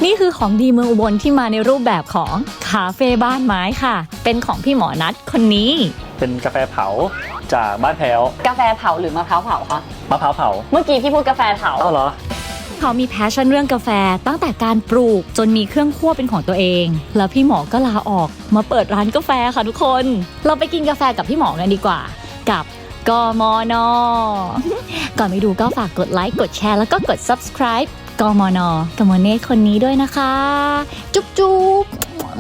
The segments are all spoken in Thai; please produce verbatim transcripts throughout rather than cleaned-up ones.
นี่คือของดีเมืองอุบลที่มาในรูปแบบของคาเฟ่บ้านไม้ค่ะเป็นของพี่หมอนัทคนนี้เป็นกาแฟเผาจากบ้านแพ้วกาแฟเผาหรือมะพร้าวเผาคะมะพร้าวเผาเมื่อกี้พี่พูดกาแฟเผาอ้าวเหรอเขามีแพชชั่นเรื่องกาแฟตั้งแต่การปลูกจนมีเครื่องคั่วเป็นของตัวเองแล้วพี่หมอก็ลาออกมาเปิดร้านกาแฟค่ะทุกคนเราไปกินกาแฟกับพี่หมอกันดีกว่ากับกมนก่อนไปดูก็ฝากกดไลค์กดแชร์แล้วก็กด ซับสไครบ์ กมนกับโมเน่คนนี้ด้วยนะคะจุ๊บจุ๊บ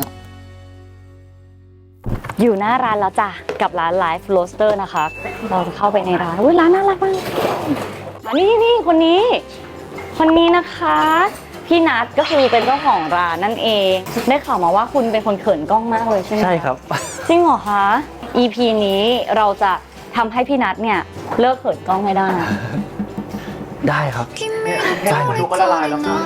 อยู่หน้าร้านแล้วจ้ะกับร้าน Life Roaster นะคะเราจะเข้าไปในร้านอุ้ยร้านน่ารักมากนี่นี่คนนี้คนนี้นะคะพี่นัทก็คือเป็นเจ้าของร้านนั่นเองได้ข่าวมาว่าคุณเป็นคนเขินกล้องมากเลยใช่ไหมใช่ครับจริงเหรอคะ อี พี นี้เราจะทำให้พี่นัทเนี่ยเลิกเขินกล้องให้ได้ได้ครับได้หมดทุกก็ละลายแล้วค่ะ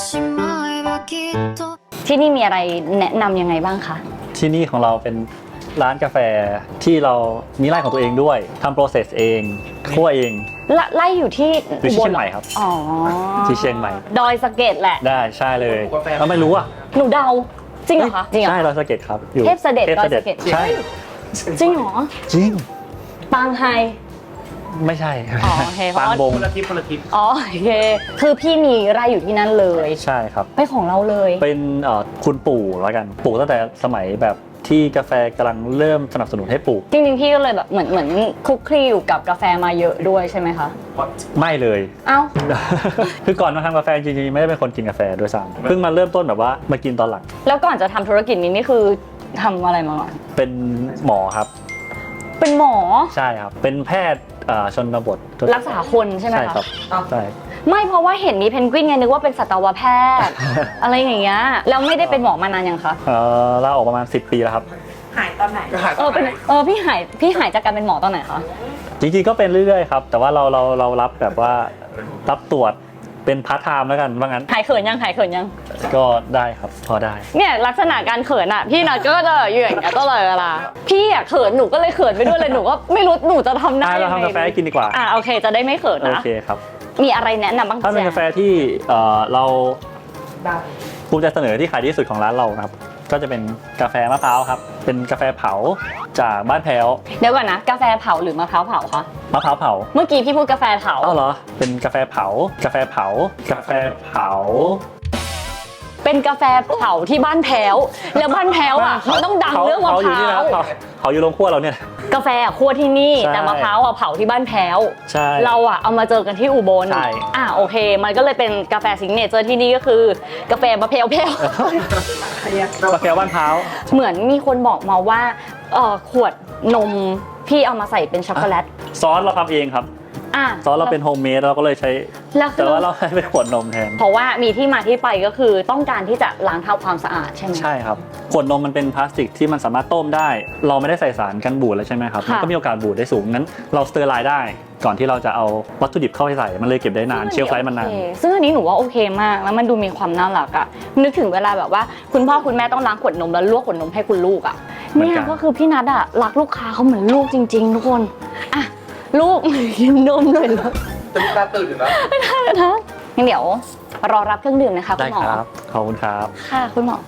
ที่นี่มีอะไรแนะนำยังไงบ้างคะที่นี่ของเราเป็นร้านกาแฟที่เรามีไร่ของตัวเองด้วยทำโปรเซสเองคั่วเองไร่อยู่ที่อยู่ที่เชียงใหม่ครับอ๋อที่เชียงใหม่ดอยสะเก็ดแหละได้ใช่เลยเราไม่รู้อ่ะหนูเดาจริงเหรอคะจริงเหรอใช่ดอยสะเก็ดครับอยู่เทพเสด็จดอยสะเก็ดใช่จริงเหรอจริงปางไฮไม่ใช่อ๋อโอเคปางบงคนละทิพย์คนละทิพย์อ๋อโอเคคือพี่มีไร่อยู่ที่นั่นเลยใช่ครับเป็นของเราเลยเป็นคุณปู่แล้วกันปลูกตั้งแต่สมัยแบบที่กาแฟกำลังเริ่มสนับสนุนให้ปลูกจริงๆพี่ก็เลยแบบเหมือนเหมือนคลุกคลีอยู่กับกาแฟมาเยอะด้วยใช่ไหมคะไม่เลยเอ้าคือก่อนมาทำกาแฟจริงๆไม่ได้เป็นคนกินกาแฟด้วยซ้ำเพิ่งมาเริ่มต้นแบบว่ามากินตอนหลังแล้วก่อนจะทำธุรกิจนี้นี่คือทำอะไรมาก่อนเป็นหมอครับเป็นหมอใช่ครับเป็นแพทย์ชนบทรักษาคนใช่ไหมคะใช่ครับใช่ไม่เพราะว่าเห็นมีเพนกวินไงนึกว่าเป็นสัตวแพทย์ อะไรอย่างเงี้ยแล้วไม่ได้เป็นหมอมานานยังคะเออลาออกประมาณสิบปีแล้วครับหายตอนไหนเออเป็นเออพี่หายพี่หายจากการเป็นหมอตอนไหนคะจริงๆก็เป็นเรื่อยๆครับแต่ว่าเราเราเรารับแบบว่ารับตรวจเป็นพาร์ทไทม์แล้วกันว่างั้นหายเขินยังหายเขินยังก็ได้ครับพอได้เนี่ยลักษณะการเขินอ่ะพี่นัทก็จะอยู่อย่างเงี้ยตลอดเวลาพี่อ่ะเขินหนูก็เลยเขินไปด้วยเลยหนูก็ไม่รู้หนูจะทำได้ยังไงเราทำกาแฟกินดีกว่าอ่าโอเคจะได้ไม่เขินนะโอเคครับมีอะไรแนะนำบ้างถ้าเป็นกาแฟที่เราภูมิใจเสนอที่ขายดีที่สุดของร้านเราครับก็จะเป็นกาแฟมะพร้าวครับเป็นกาแฟเผาจากบ้านแพ้วเดี๋ยวก่อนนะกาแฟเผาหรือมะพร้าวเผาคะมะพร้าวเผาเมื่อกี้พี่พูดกาแฟเผาอ้าวเหรอเป็นกาแฟเผากาแฟเผากาแฟเผาเป็นกาแฟเผาที่บ้านแพ้วแล้วบ้านแพ้วอ่ะมันต้องดังเรื่องมะพร้าวเขาอยู่โรงคั่วเราเนี่ยกาแฟอ่ะคั่วที่นี่แต่มะพร้าวอ่ะเผาที่บ้านแพ้วใช่เราอ่ะเอามาเจอกันที่อุบลอ่ะโอเคมันก็เลยเป็นกาแฟซิกเนเจอร์ที่นี่ก็คือกาแฟมะพร้าวแพ้วกาแฟบ้านเผาเหมือนมีคนบอกมาว่าขวดนมพี่เอามาใส่เป็นช็อกโกแลตซอสเราทำเองครับซอสเราเป็นโฮมเมดเราก็เลยใช้แต่ว่าเราให้เป็นขวดนมแทนเพราะว่ามีที่มาที่ไปก็คือต้องการที่จะล้างทำความสะอาดใช่ไหมใช่ครับขวดนมมันเป็นพลาสติกที่มันสามารถต้มได้เราไม่ได้ใส่สารกันบูดเลยใช่ไหมครับมันก็มีโอกาสบูดได้สูงงั้นเราสเตอร์ไลน์ได้ก่อนที่เราจะเอาวัตถุดิบเข้าไปใส่มันเลยเก็บได้นานเชลฟ์ไลฟ์มันนานซึ่งอันนี้หนูว่าโอเคมากแล้วมันดูมีความน่ารักอ่ะนึกถึงเวลาแบบว่าคุณพ่อคุณแม่ต้องล้างขวดนมแล้วลวกขวดนมให้คุณลูกอ่ะเนี่ยก็คือพี่นัทอ่ะรักลูกค้าเขาเหมือนลูกจริงๆทุกคนอ่ะลูกกินนมหน่อยแล้วแต่ลูกตาตื่นอยู่นะไม่ได้นะงั้นเดี๋ยวรอรับเครื่องดื่มนะคะคุณหมอได้ครับขอบคุณครับค่ะคุณหมอ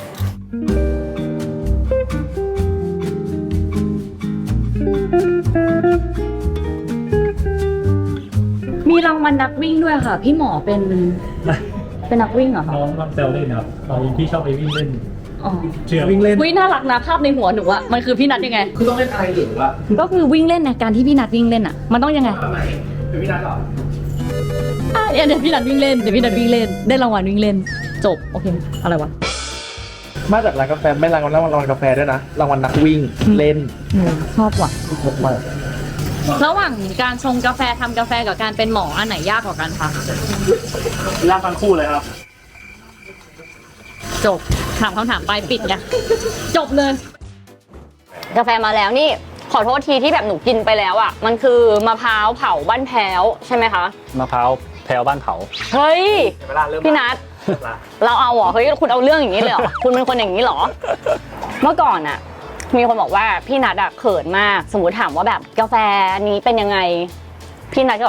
มีรางวัลนักวิ่งด้วยค่ะพี่หมอเป็นเป็นนักวิ่งเหรอคะน้องน้องเซลเล่นครับเราพี่ชอบไปวิ่งเล่นเชื่อวิ่งเล่นวิ่งน่ารักนะภาพในหัวหนูอะมันคือพี่นัทยังไงคือต้องเล่นอะไรหรือว่าก็คือวิ่งเล่นนะการที่พี่นัทวิ่งเล่นอะมันต้องยังไงเป็นพี่นัทหรออ่ะเดี๋ยวพี่นัทวิ่งเล่นเดี๋ยวพี่นัทวิ่งเล่นได้รางวัลวิ่งเล่นจบโอเคอะไรวะมาจากร้านกาแฟไม่รางวัลรางวัลกาแฟด้วยนะรางวัลนักวิ่งเล่นชอบว่ะระหว่างการชงกาแฟทำกาแฟกับการเป็นหมออันไหนยากกว่ากันคะยากทั้งคู่เลยครับจบถามคำถามไปปิดไงจบเลยกาแฟมาแล้วนี่ขอโทษทีที่แบบหนูกินไปแล้วอ่ะมันคือมะพร้าวเผาบ้านแพ้วใช่ไหมคะมะพร้าวแพ้วบ้านเผาเฮ้ยพี่นัทเราเอาเหรอเฮ้ยคุณเอาเรื่องอย่างนี้เลยเหรอคุณเป็นคนอย่างนี้เหรอเมื่อก่อนอ่ะมีคนบอกว่าพี่นัทอะเขินมากสมมติถามว่าแบบกาแฟนี้เป็นยังไงพี่นัทก็บอก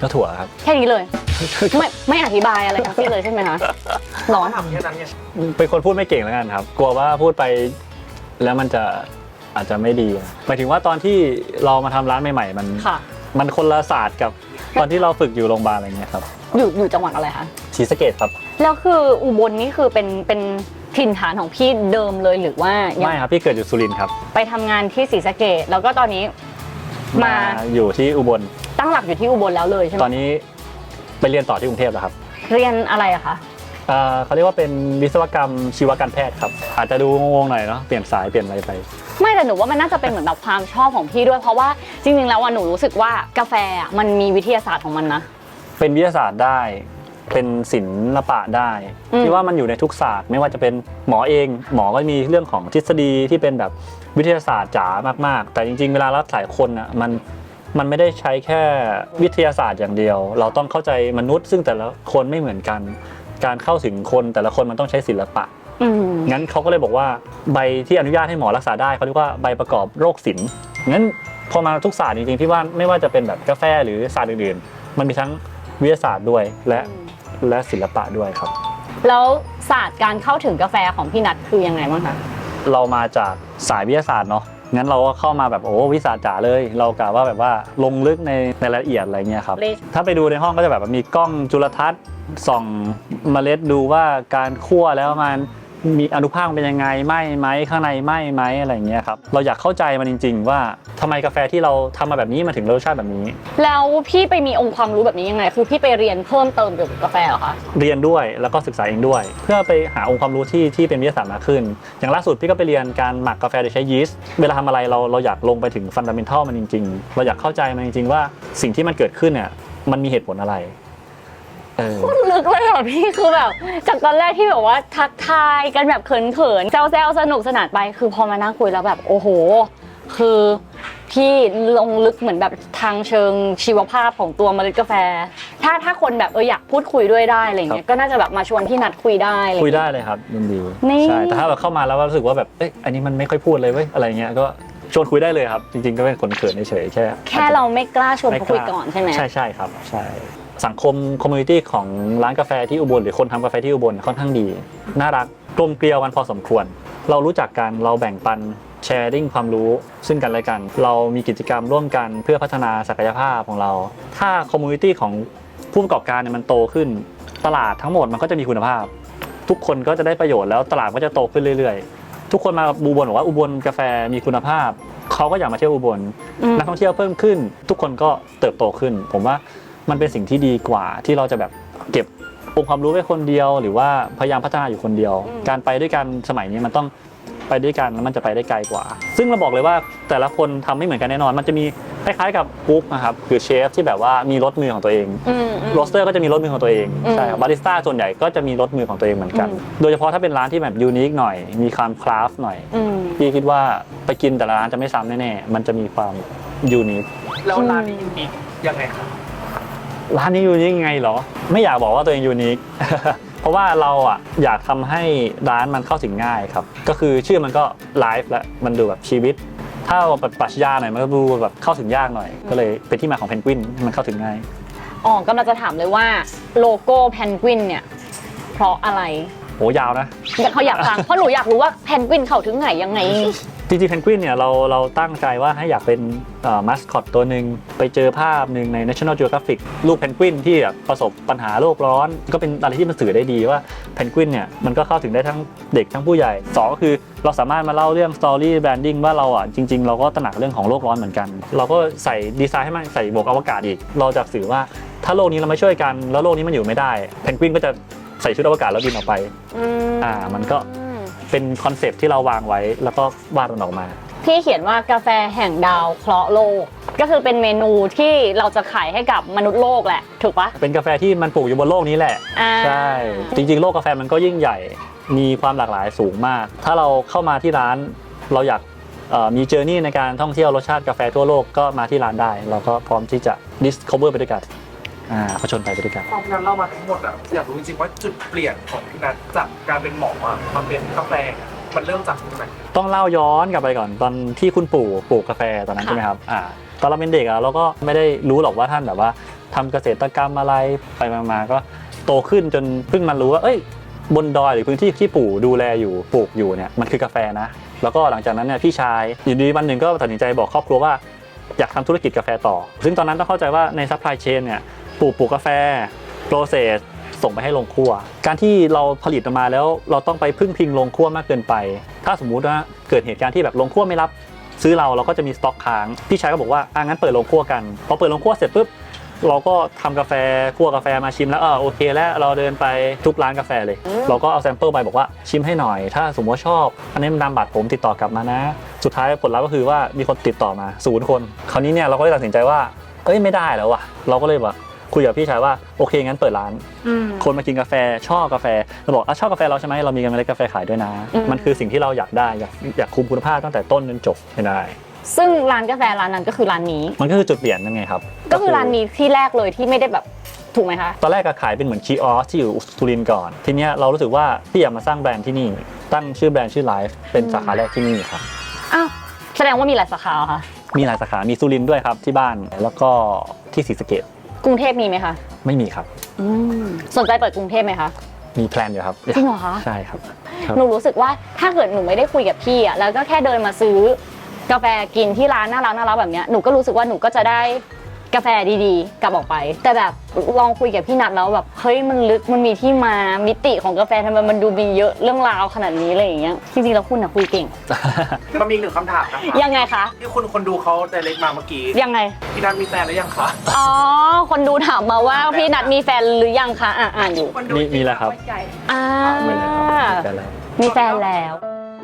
ก็ถั่วครับแค่นี้เลย ไม่ไม่อธิบายอะไรทั้งสิ้นเลยใช่ไหมคะร้อนทำแค่นั้นไงเป็นคนพูดไม่เก่งแล้วกันครับ กลัวว่าพูดไปแล้วมันจะอาจจะไม่ดีหมายถึงว่าตอนที่เรามาทำร้านใหม่ๆมันค่ะมันคนละศาสตร์กับตอนที่เราฝึกอยู่โรงพยาบาลอะไรเงี้ยครับอยู่อยู่จังหวัดอะไรคะศรีสะเกษครับแล้วคืออุบลนี่คือเป็นเป็นถิ่นฐานของพี่เดิมเลยหรือว่ายังไม่ครับพี่เกิดอยู่สุรินทร์ครับไปทำงานที่ศรีสะเกษแล้วก็ตอนนี้มาอยู่ที่อุบลตั้งหลักอยู่ที่อุบลแล้วเลยใช่ไหมตอนนี้ไปเรียนต่อที่กรุงเทพแล้วครับเรียนอะไรอะคะเอ่อเขาเรียกว่าเป็นวิศวกรรมชีวการแพทย์ครับอาจจะดูงงๆหน่อยเนาะเปลี่ยนสายเปลี่ยนอะไรไปไม่แต่หนูว่ามันน่าจะเป็นเหมือนแบบความชอบของพี่ด้วยเพราะว่าจริงๆแล้วอะหนูรู้สึกว่ากาแฟอะมันมีวิทยาศาสตร์ของมันนะเป็นวิทยาศาสตร์ได้เป็นศิลปะได้อืมที่ว่ามันอยู่ในทุกศาสตร์ไม่ว่าจะเป็นหมอเองหมอก็มีเรื่องของทฤษฎีที่เป็นแบบวิทยาศาสตร์จ๋ามากๆ แต่จริงๆเวลารักษาคนอ่ะมันมันไม่ได้ใช้แค่วิทยาศาสตร์อย่างเดียว เราต้องเข้าใจมนุษย์ซึ่งแต่ละคนไม่เหมือนกัน การเข้าถึงคนแต่ละคนมันต้องใช้ศิลปะอืมงั้นเขาก็เลยบอกว่าใบที่อนุญาตให้หมอรักษาได้เขาเรียกว่าใบประกอบโรคศิลป์งั้นพอมาทุกศาสตร์จริงๆพี่ว่าไม่ว่าจะเป็นแบบกาแฟหรือศาสตร์อื่นๆมันมีทั้งวิทยาศาสตร์ด้วยและและศิลปะด้วยครับแล้วศาสตร์การเข้าถึงกาแฟของพี่นัทคือยังไงบ้างคะเรามาจากสายวิทยาศาสตร์เนาะงั้นเราก็เข้ามาแบบโอ้วิทยาศาสตร์จ๋าเลย เรากะว่าแบบว่าลงลึกในในรายละเอียดอะไรเงี้ยครับถ้าไปดูในห้องก็จะแบบมีกล้องจุลทรรศน์ส่องเมล็ดดูว่าการคั่วแล้วมันมีอนุภาคเป็นยังไงไหมไหมข้างในไหมไหมอะไรเงี้ยครับเราอยากเข้าใจมันจริง ๆ ว่าทำไมกาแฟที่เราทำมาแบบนี้มาถึงรสชาติแบบนี้แล้วพี่ไปมีองค์ความรู้แบบนี้ยังไง คือพี่ไปเรียนเพิ่มเติมเกี่ยวกับกาแฟเหรอคะเรียนด้วยแล้วก็ศึกษาเองด้วย เพื่อไปหาองค์ความรู้ที่ที่เป็นวิทยาศาสตร์มากขึ้น อย่างล่าสุดพี่ก็ไปเรียนการหมักกาแฟโดยใช้ยีสต์เวลาทำอะไรเราเราอยากลงไปถึงฟันดัมเมนทัลมันจริงๆ เราอยากเข้าใจมันจริงๆว่าสิ่งที่มันเกิดขึ้นเนี่ยมันมีเหตุผลอะไรเออลึกเลยเหรอพี่คือแบบจากตอนแรกที่แบบว่าทักทายกันแบบเขินๆแซวๆสนุกสนานไปคือพอมานั่งคุยแล้วแบบโอ้โหคือพี่ลงลึกเหมือนแบบทางเชิงชีวภาพของตัวเมล็ดกาแฟ ถ้าถ้าคนแบบเอออยากพูดคุยด้วยได้อะไรเงี้ยก็น่าจะแบบมาชวนพี่นัดคุยได้อะไรคุยเงี้ยได้เลยครับยินดีนี่ใช่แต่ถ้าเราเข้ามาแล้วรู้สึกว่าแบบเอ๊ะอันนี้มันไม่ค่อยพูดเลยเว้ยอะไรเงี้ยก็ชวนคุยได้เลยครับจริงๆก็เป็นคนเขินเฉยๆแค่แค่เราไม่กล้าชวนเขาคุยก่อนใช่ไหมใช่ใช่ครับใช่สังคมคอมมูนิตี้ของร้านกาแฟที่อุบลหรือคนทำกาแฟที่อุบลค่อนข้างดีน่ารักกลมเกลียวกันพอสมควร เรารู้จักกันเราแบ่งปันแชร์ริ่งความรู้ซึ่งกันและกัน เรามีกิจกรรมร่วมกันเพื่อพัฒนาศักยภาพของเรา ถ้าคอมมูนิตี้ของผู้ประกอบการเนี่ยมันโตขึ้นตลาดทั้งหมดมันก็จะมีคุณภาพ ทุกคนก็จะได้ประโยชน์แล้วตลาดก็จะโตขึ้นเรื่อยๆทุกคนมาอุบลบอกว่าอุบลกาแฟมีคุณภาพเขาก็อยากมาเที่ยวอุบลอืมนักท่องเที่ยวเพิ่มขึ้น ทุกคนก็เติบโตขึ้น ผมว่ามันเป็นสิ่งที่ดีกว่าที่เราจะแบบเก็บองค์ความรู้ไว้คนเดียว หรือว่าพยายามพัฒนาอยู่คนเดียว การไปด้วยกันสมัยนี้มันต้องไปด้วยกันแล้วมันจะไปได้ไกลกว่า ซึ่งเราบอกเลยว่าแต่ละคนทำไม่เหมือนกันแน่นอน มันจะมีคล้ายๆกับกุ๊กนะครับคือเชฟที่แบบว่ามีรสมือของตัวเองอืมอืมโรสเตอร์ก็จะมีรสมือของตัวเองอืมใช่ครับบาริสต้าส่วนใหญ่ก็จะมีรสมือของตัวเองเหมือนกันอืมโดยเฉพาะถ้าเป็นร้านที่แบบยูนิคหน่อยมีความคราฟต์หน่อยอืมพี่คิดว่าไปกินแต่ละร้านจะไม่ซ้ำแน่ๆมันจะมีความยูนิคแล้วร้านนี้ยูนิคยังไงครับร้านนี้ยูนิคยังไงเหรอ ไม่อยากบอกว่าตัวเองยูนิค เพราะว่าเราอ่ะอยากทำให้ร้านมันเข้าถึงง่ายครับก็คือชื่อมันก็ไลฟ์และมันดูแบบชีวิต ถ้าเราปรัชญาหน่อยมันก็ดูแบบเข้าถึงยากหน่อย ก็เลยเป็นที่มาของเพนกวินมันเข้าถึงง่ายอ๋อกำลังจะถามเลยว่าโลโก้เพนกวินเนี่ยเพราะอะไรโหยาวนะแต่เขาอยากฟังเพราะหนูอยากรู้ว่าเพนกวินเข้าถึงไหนยังไงจริงๆเพนกวินเนี่ยเราเราตั้งใจว่าให้อยากเป็นมัสคอตตัวหนึ่งไปเจอภาพหนึ่งใน National Geographic รูปเพนกวินที่แบบประสบปัญหาโลกร้อน ก็เป็นอะไรที่มันสื่อได้ดีว่าเพนกวินเนี่ยมันก็เข้าถึงได้ทั้งเด็กทั้งผู้ใหญ่สองก็คือเราสามารถมาเล่าเรื่อง Story Branding ว่าเราอ่ะจริงๆเราก็ตระหนักเรื่องของโลกร้อนเหมือนกัน เราก็ใส่ดีไซน์ให้มันใส่บวกอวกาศอีกเราจะสื่อว่าถ้าโลกนี้เราไม่ช่วยกันแล้วโลกนี้มันอยู่ไม่ได้เพนกวินก็จะใส่ชุดอวกาศแล้วบินออกไปอ่ามันก็เป็นคอนเซปต์ที่เราวางไว้แล้วก็วาดมันออกมาพี่เขียนว่ากาแฟแห่งดาวเคราะห์โลก ก็คือเป็นเมนูที่เราจะขายให้กับมนุษย์โลกแหละถูกปะเป็นกาแฟที่มันปลูกอยู่บนโลกนี้แหละอ่าใช่จริงๆโลกกาแฟมันก็ยิ่งใหญ่มีความหลากหลายสูงมาก ถ้าเราเข้ามาที่ร้านเราอยากเอ่อมีเจอร์นี่ในการท่องเที่ยวรสชาติกาแฟทั่วโลกก็มาที่ร้านได้ เราก็พร้อมที่จะ discover ไปด้วยกันอ่าผจญไปไปด้วยกันพอพี่นัทเล่ามาทั้งหมดอ่ะอยากรู้จริงๆว่าจุดเปลี่ยนของพี่นัทจากการเป็นหมออ่ะมาเป็นกาแฟอะมันเริ่มจากตรงไหนต้องเล่าย้อนกลับไปก่อนตอนที่คุณปู่ปลูกกาแฟตอนนั้นค่ะใช่ไหมครับอ่าตอนเราเป็นเด็กอะเราก็ไม่ได้รู้หรอกว่าท่านแบบว่าทำเกษตรกรรมอะไรไปมาๆก็โตขึ้นจนเพิ่งมารู้ว่าเอ้ยบนดอยหรือพื้นที่ที่ปู่ดูแลอยู่ปลูกอยู่เนี่ยมันคือกาแฟนะแล้วก็หลังจากนั้นเนี่ยพี่ชายอยู่ดีวันหนึ่งก็ตัดสินใจบอกครอบครัวว่าอยากทำธุรกิจกาแฟต่อซึ่งตอนนั้นต้องเข้าใจว่าในซัพพลายเชนเนี่ยปลูกปลูกกาแฟโปรเซสส่งไปให้โรงคั่วการที่เราผลิตออกมาแล้วเราต้องไปพึ่งพิงโรงคั่วมากเกินไปถ้าสมมุติว่าเกิดเหตุการณ์ที่แบบโรงคั่วไม่รับซื้อเราเราก็จะมีสต็อกค้างพี่ชายก็บอกว่าอ่ะงั้นเปิดโรงคั่วกันพอเปิดโรงคั่วเสร็จปุ๊บเราก็ทำกาแฟคั่วกาแฟมาชิมแล้วเออโอเคแล้วเราเดินไปทุกร้านกาแฟเลยเราก็เอาแซมเปิลไปบอกว่าชิมให้หน่อยถ้าสมมติว่าชอบอันนี้มันนำบัตรผมติดต่อกลับมานะสุดท้ายผลลัพธ์ก็คือว่ามีคนติดต่อมาศูนย์คนคราวนี้เนี่ยเราก็เลยตัดสินใจว่าเอ้ยไม่ได้แล้วว่ะเราก็เลยแบบคุยกับพี่ชายว่าโอเคงั้นเปิดร้านคนมากินกาแฟชอบกาแฟเราบอกอ่ะชอบกาแฟเราใช่ไหมเรามีเมล็ดกาแฟขายด้วยนะมันคือสิ่งที่เราอยากได้อยากอยากคุมคุณภาพตั้งแต่ต้นจนจบให้ได้ซึ่งร้านกาแฟร้านนั้นก็คือร้านนี้มันก็คือจุดเปลี่ยนนั่นไงครับก็คือร้านนี้ที่แรกเลยที่ไม่ได้แบบถูกไหมคะตอนแรกก็ขายเป็นเหมือนคีออสที่อยู่สุรินทร์ก่อนทีเนี้ยเรารู้สึกว่าพี่อยากมาสร้างแบรนด์ที่นี่ตั้งชื่อแบรนด์ชื่อ Life เป็นสาขาแรกที่นี่ครับอ้าวแสดงว่ามีหลายสาขาค่ะมีหลายสาขามีสุรินทร์ด้วยครับที่บ้านแล้วก็ที่ศรีสะเกษกรุงเทพมีไหมคะไม่มีครับสนใจเปิดกรุงเทพไหมคะมีแพลนอยู่ครับจริงเหรอคะใช่ครับหนูรู้สึกว่าถ้าเกิดหนูไม่ได้คุยกับพี่อ่ะแล้วก็แค่เดินมาซื้อกาแฟกินที่ร้านน่ารักน่ารักแบบเนี้ยหนูก็รู้สึกว่าหนูก็จะได้กาแฟดีๆกลับออกไปแต่แบบลองคุยกับพี่นัทแล้วแบบเฮ้ยมันลึกมันมีที่มามิติของกาแฟทำไมมันดูมีเยอะเรื่องราวขนาดนี้อะไรอย่างเงี้ยจริงๆแล้วคุณน่ะคุยเก่งมันมีหนึ่งคำถามนะคะยังไงคะที่คุณคนดูเขาไดเรกมาเมื่อกี้ยังไงพี่นัทมีแฟนหรือยังคะอ๋อคนดูถามมาว่าพี่นัทมีแฟนหรือยังคะอ่าอ่านอยู่มีมีแล้วครับอ่ามีแฟนแล้ว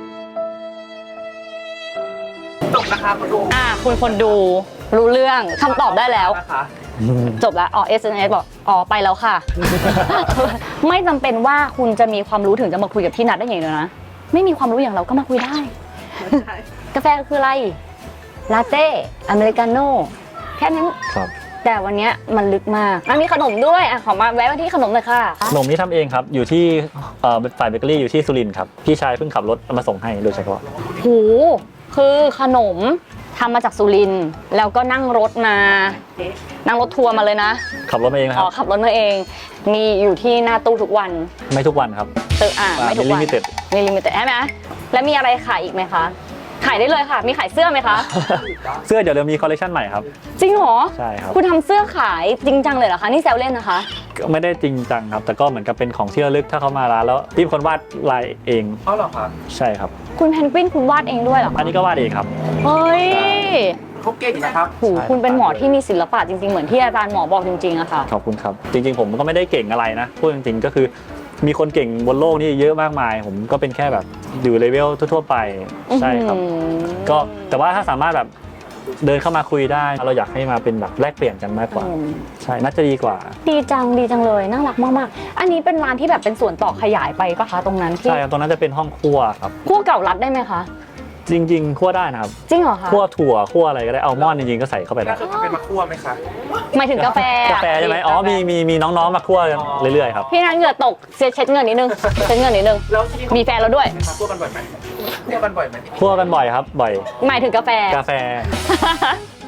จบนะคะคนดูอ่าคุณคนดูรู้เรื่องคำตอบได้แล้วจบแล้วอ๋อ เอส เอ็ม เอส บอกอ๋อไปแล้วค่ะ ไม่จำเป็นว่าคุณจะมีความรู้ถึงจะมาคุยกับพี่นัทได้อย่างเดียวนะไม่มีความรู้อย่างเราก็มาคุยได้กาแฟคืออะไรลาเต้อเมริกาโน่แค่นั้นแต่วันนี้มันลึกมากมีขนมด้วยอ่ะขอมาแวะมาที่ขนมเลยค่ะขนมนี้ทำเองครับอยู่ที่ฝ่ายเบเกอรี่อยู่ที่สุรินทร์ครับพี่ชายเพิ่งขับรถมาส่งให้โดยเฉพาะโหคือขนมทำมาจากสุรินทร์แล้วก็นั่งรถมานั่งรถทัวร์มาเลยนะขับรถมาเองครับอ๋อขับรถมาเองมีอยู่ที่หน้าตู้ทุกวันไม่ทุกวันครับเอออ่าไม่ทุกวันมีลิมิเต็ดมีลิมิเต็ดใช่ไหมแล้วมีอะไรขายอีกไหมคะขายได้เลยค่ะมีขายเสื้อไหมคะเสื้อเดี๋ยวเรามีคอลเลคชันใหม่ครับจริงเหรอใช่ครับคุณทำเสื้อขายจริงจังเลยเหรอคะนี่แซวเล่นนะคะไม่ได้จริงจังครับแต่ก็เหมือนกับเป็นของที่ระลึกถ้าเขามาร้านแล้วพี่เป็นคนวาดลายเองเขาเหรอครับใช่ครับคุณเพนกวินคุณวาดเองด้วยเหรออันนี้ก็วาดเองครับเฮ้ยเขาเก่งนะครับโหคุณเป็นหมอที่มีศิลปะจริงๆเหมือนที่อาจารย์หมอบอกจริงๆอะค่ะขอบคุณครับจริงๆผมก็ไม่ได้เก่งอะไรนะพูดจริงๆก็คือมีคนเก่งบนโลกนี้เยอะมากมายผมก็เป็นแค่แบบอยู่เลเวลทั่วๆไปใช่ครับก็แต่ว่าถ้าสามารถแบบเดินเข้ามาคุยได้เราอยากให้มาเป็นแบบแลกเปลี่ยนกันมากกว่าใช่น่าจะดีกว่าดีจังดีจังเลยน่ารักมากๆอันนี้เป็นร้านที่แบบเป็นส่วนต่อขยายไปปะคะตรงนั้นที่ใช่ตรงนั้นจะเป็นห้องครัวครับคั่วเก่ารัดได้ไหมคะจริงๆคั่วได้นะครับจริงเหรอคะคั่วถั่วคั่วอะไรก็ได้อัลมอนด์จริงๆก็ใส่เข้าไปได้เคยเป็นมาคั่วไหมคะหมายถึงกาแฟกาแฟใช่ไหมอ๋อมีมีมีน้องๆมาคั่วเรื่อยๆครับพี่นัทเหงื่อตกเช็ดเงินนิดนึงเช็ดเงินนิดนึงมีแฟนแล้วด้วยคั่วกันบ่อยไหมคั่วกันบ่อยไหมคั่วกันบ่อยครับบ่อยหมายถึงกาแฟกาแฟ